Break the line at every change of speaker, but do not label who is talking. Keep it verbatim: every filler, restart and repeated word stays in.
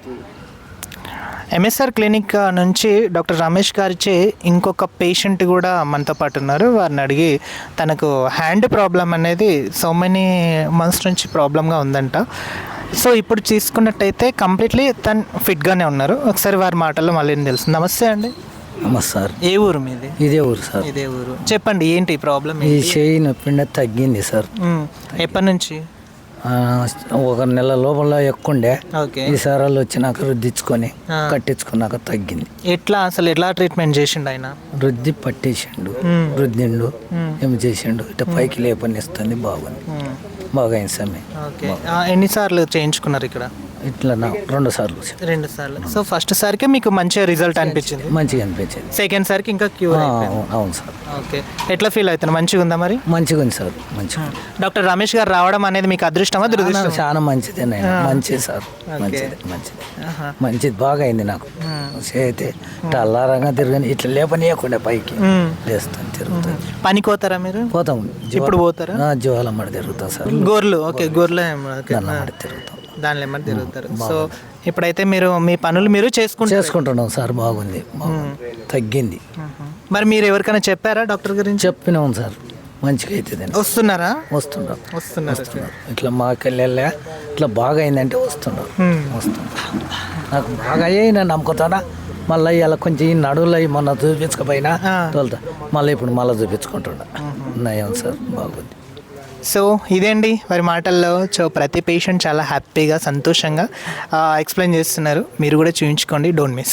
MSR clinic నుంచి doctor Ramesh గారిచే ఇంకొక పేషెంట్ కూడా మనతో పాటు ఉన్నారు. వారిని అడిగి తనకు హ్యాండ్ ప్రాబ్లం అనేది సో మెనీ మంత్స్ నుంచి ప్రాబ్లంగా ఉందంట. సో ఇప్పుడు తీసుకున్నట్టయితే కంప్లీట్లీ తను ఫిట్గానే ఉన్నారు. ఒకసారి వారి మాటల్లో మళ్ళీ తెలుసు. నమస్తే అండి.
నమస్తే సార్.
ఏ ఊరు మీది?
ఇదే ఊరు సార్.
ఇదే ఊరు. చెప్పండి ఏంటి ప్రాబ్లం?
ఈ చేయి నొప్పి తగ్గింది సార్.
ఎప్పటి నుంచి?
ఒక నెల లోపల ఎక్కుండే.
ఓకే.
ఈ సారాలు వచ్చినాక రుద్దించుకొని కట్టించుకున్నాక తగ్గింది.
ఎట్లా అసలు ఎట్లా ట్రీట్మెంట్ చేసిండు ఆయన?
రుద్ది పట్టేసిండు, రుద్దిండు, ఏమి చేసిండు. ఇట్లా పైకి లేపనిస్తుంది. బాగుంది, బాగా అయింది సమయం.
ఓకే. ఎన్నిసార్లు చేయించుకున్నారు ఇక్కడ?
ఇట్లా నా రెండు సార్లు.
రెండు సార్లు. సో ఫస్ట్ సారికి మీకు మంచిగా రిజల్ట్ అనిపించింది?
మంచిగా అనిపించింది.
సెకండ్ సారికి ఇంకా క్యూర్ అయిపోయింది.
అవును సార్.
ఓకే. ఎట్లా ఫీల్ అవుతుంది? మంచిగా ఉందా మరి?
మంచిగా ఉంది సార్. మంచిగా.
డాక్టర్ రమేష్ గారు రావడం అనేది మీకు అదృష్టమా దురదృష్టమా?
చాలా మంచిది మంచిది సార్. మంచిది మంచిది మంచిది బాగా అయింది నాకు. అయితే ఇట్లా అల్లారంగా తిరగని ఇట్లా లేపనీయకుండా పైకి లేస్తాను, తిరుగుతాను.
పనికి పోతారా మీరు?
పోతాం.
ఇప్పుడు పోతారా?
జోలమ్మడి తిరుగుతాం సార్.
గోర్లు. ఓకే. గోర్లు
తిరుగుతాం,
దానిలో ఏమన్నా తిరుగుతారు. సో ఇప్పుడైతే మీరు మీ పనులు మీరు చేసుకుంటూ
చేసుకుంటున్నాం సార్. బాగుంది, తగ్గింది.
మరి మీరు ఎవరికైనా చెప్పారా డాక్టర్ గురించి?
చెప్పినాం సార్. మంచిగా అవుతుంది.
వస్తున్నారా?
వస్తున్నారు
వస్తున్నారు
వస్తున్నారు ఇట్లా మాకెళ్ళా ఇట్లా బాగా అయిందంటే వస్తున్నారు వస్తున్నారు నాకు బాగా అయ్యాయి. నేను నమ్ముకుతానా. మళ్ళీ ఇలా కొంచెం ఈ నడువులు అవి మొన్న చూపించకపోయినా తోలుతా. మళ్ళీ ఇప్పుడు మళ్ళీ చూపించుకుంటున్నా. నయం సార్, బాగుంది.
సో ఇదేండి వారి మాటల్లో. సో ప్రతి పేషెంట్ చాలా హ్యాపీగా సంతోషంగా ఎక్స్ప్లెయిన్ చేస్తున్నారు. మీరు కూడా చూపించుకోండి. Don't miss.